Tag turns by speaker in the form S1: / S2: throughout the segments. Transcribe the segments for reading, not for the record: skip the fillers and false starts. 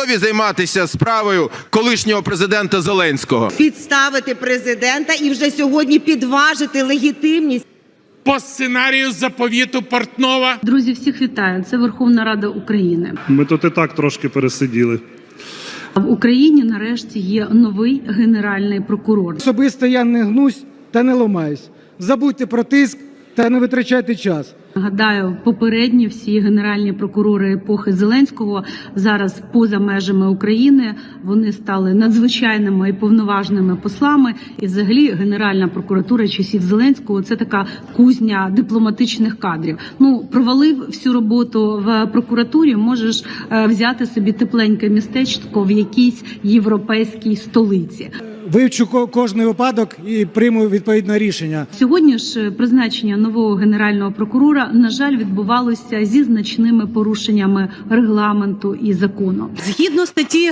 S1: готові займатися справою колишнього президента Зеленського?
S2: Підставити президента і вже сьогодні підважити легітимність.
S3: По сценарію заповіту Портнова.
S4: Друзі, всіх вітаю. Це Верховна Рада України.
S5: Ми тут і так трошки пересиділи.
S4: В Україні нарешті є новий генеральний прокурор.
S6: Особисто я не гнусь та не ламаюсь. Забудьте про тиск та не витрачайте час.
S4: Нагадаю, попередні всі генеральні прокурори епохи Зеленського зараз поза межами України. Вони стали надзвичайними і повноважними послами. І взагалі Генеральна прокуратура часів Зеленського – це така кузня дипломатичних кадрів. Провалив всю роботу в прокуратурі, можеш взяти собі тепленьке містечко в якійсь європейській столиці.
S6: Вивчу кожний випадок і прийму відповідне рішення.
S4: Сьогодні ж призначення нового генерального прокурора, на жаль, відбувалося зі значними порушеннями регламенту і закону. Згідно статті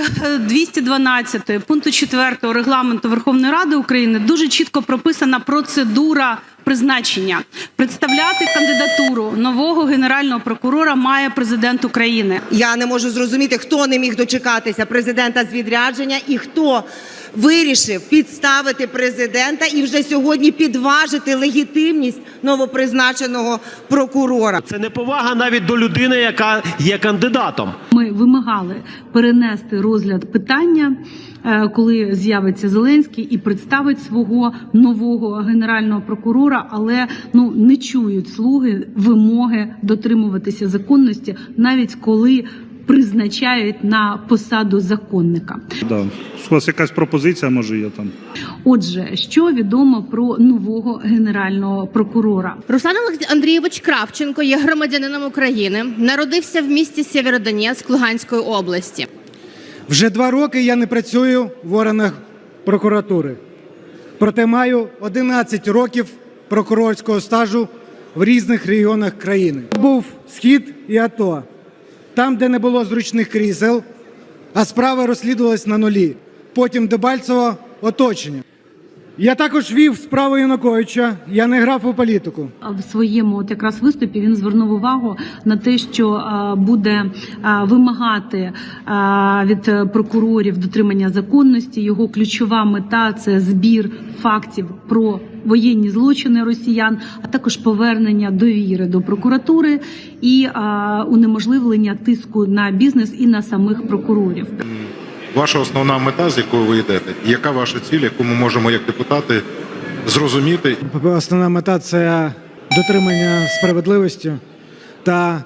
S4: 212 пункту 4 регламенту Верховної Ради України дуже чітко прописана процедура призначення. Представляти кандидатуру нового генерального прокурора має президент України.
S2: Я не можу зрозуміти, хто не міг дочекатися президента з відрядження і хто вирішив підставити президента і вже сьогодні підважити легітимність новопризначеного прокурора.
S7: Це неповага навіть до людини, яка є кандидатом.
S4: Ми вимагали перенести розгляд питання, коли з'явиться Зеленський і представить свого нового генерального прокурора, але не чують слуги вимоги дотримуватися законності, навіть коли призначають на посаду законника.
S5: Да. У вас якась пропозиція, може, є там?
S4: Отже, що відомо про нового генерального прокурора?
S8: Руслан Андрійович Кравченко є громадянином України, народився в місті Сєвєродонецьк Луганської області.
S6: Вже 2 роки я не працюю в органах прокуратури. Проте маю 11 років прокурорського стажу в різних регіонах країни. Був Схід і АТО. Там, де не було зручних крісел, а справа розслідувалась на нулі. Потім Дебальцево – оточення. Я також вів справу Януковича, я не грав у політику.
S4: В своєму якраз виступі він звернув увагу на те, що буде вимагати від прокурорів дотримання законності. Його ключова мета – це збір фактів про воєнні злочини росіян, а також повернення довіри до прокуратури і унеможливлення тиску на бізнес і на самих прокурорів.
S9: Ваша основна мета, з якою ви йдете, яка ваша ціль, яку ми можемо як депутати зрозуміти?
S6: Основна мета – це дотримання справедливості та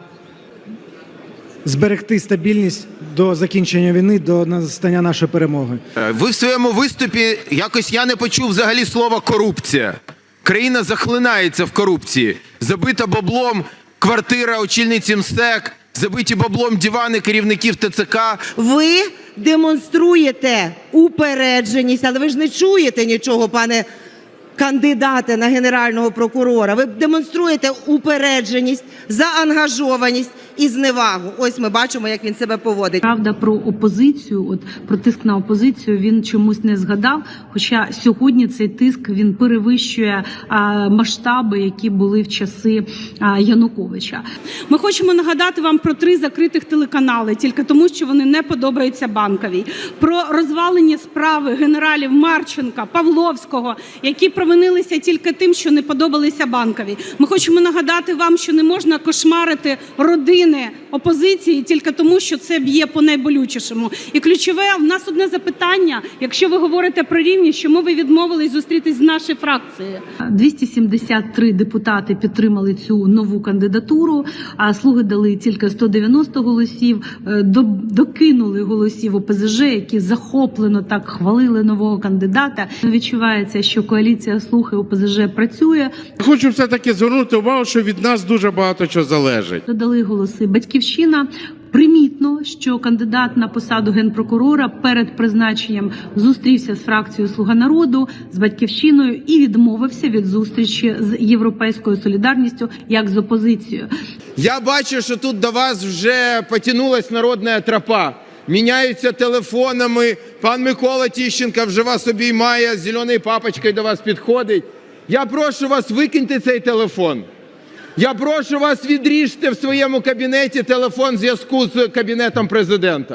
S6: зберегти стабільність до закінчення війни, до настання нашої перемоги.
S1: Ви в своєму виступі якось я не почув взагалі слова «корупція». Країна захлинається в корупції. Забита баблом квартира очільниці МСЕК, забиті баблом дивани керівників ТЦК.
S2: Ви демонструєте упередженість, але ви ж не чуєте нічого, пане кандидате на генерального прокурора. Ви демонструєте упередженість, заангажованість і зневагу. Ось ми бачимо, як він себе поводить.
S4: Правда, про опозицію, про тиск на опозицію він чомусь не згадав, хоча сьогодні цей тиск, він перевищує масштаби, які були в часи Януковича. Ми хочемо нагадати вам про 3 закритих телеканали, тільки тому, що вони не подобаються Банковій. Про розвалені справи генералів Марченка, Павловського, які провинилися тільки тим, що не подобалися Банковій. Ми хочемо нагадати вам, що не можна кошмарити родини опозиції тільки тому, що це б'є по найболючішому. І ключове, в нас одне запитання, якщо ви говорите про рівність, чому ви відмовились зустрітись з нашою фракцією? 273 депутати підтримали цю нову кандидатуру, а слуги дали тільки 190 голосів, докинули голосів ОПЗЖ, які захоплено так хвалили нового кандидата. Відчувається, що коаліція слуг і ОПЗЖ працює.
S3: Хочу все-таки звернути увагу, що від нас дуже багато чого залежить.
S4: Додали голоси Батьківщина. Примітно, що кандидат на посаду генпрокурора перед призначенням зустрівся з фракцією «Слуга народу», з Батьківщиною і відмовився від зустрічі з Європейською солідарністю як з опозицією.
S1: Я бачу, що тут до вас вже потянулась народна тропа. Міняються телефонами. Пан Микола Тищенко вже вас обіймає, з зеленою папочкою до вас підходить. Я прошу вас, викиньте цей телефон. Я прошу вас, відріжте в своєму кабінеті телефон зв'язку з Кабінетом Президента.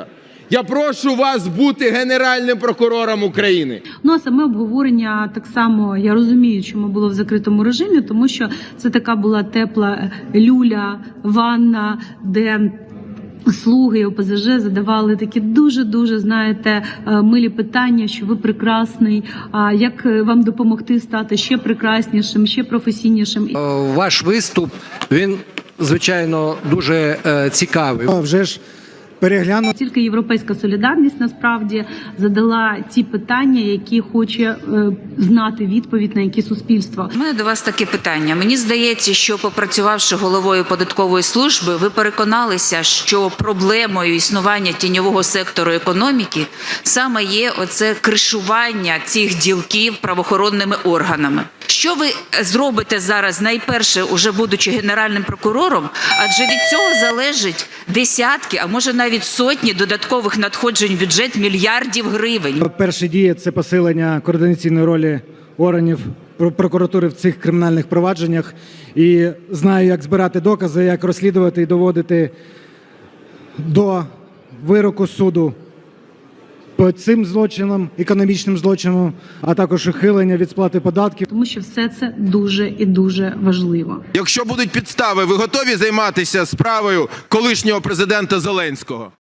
S1: Я прошу вас бути Генеральним прокурором України.
S4: Ну а саме обговорення так само я розумію, чому було в закритому режимі, тому що це така була тепла люля, ванна, де слуги ОПЗЖ задавали такі дуже, знаєте, милі питання, що ви прекрасний, а як вам допомогти стати ще прекраснішим, ще професійнішим.
S10: Ваш виступ, він, звичайно, дуже цікавий.
S6: Вже ж перегляну.
S4: Тільки Європейська солідарність насправді задала ті питання, які хоче знати відповідь на які суспільство.
S11: У мене до вас таке питання. Мені здається, що попрацювавши головою податкової служби, ви переконалися, що проблемою існування тіньового сектору економіки саме є оце кришування цих ділків правоохоронними органами. Що ви зробите зараз, найперше, уже будучи Генеральним прокурором, адже від цього залежить десятки, а може навіть сотні додаткових надходжень в бюджет мільярдів гривень.
S6: Перші дії – це посилення координаційної ролі органів прокуратури в цих кримінальних провадженнях. І знаю, як збирати докази, як розслідувати і доводити до вироку суду по цим злочинам, економічним злочинам, а також ухилення від сплати податків.
S4: Тому що все це дуже і дуже важливо.
S1: Якщо будуть підстави, ви готові займатися справою колишнього президента Зеленського?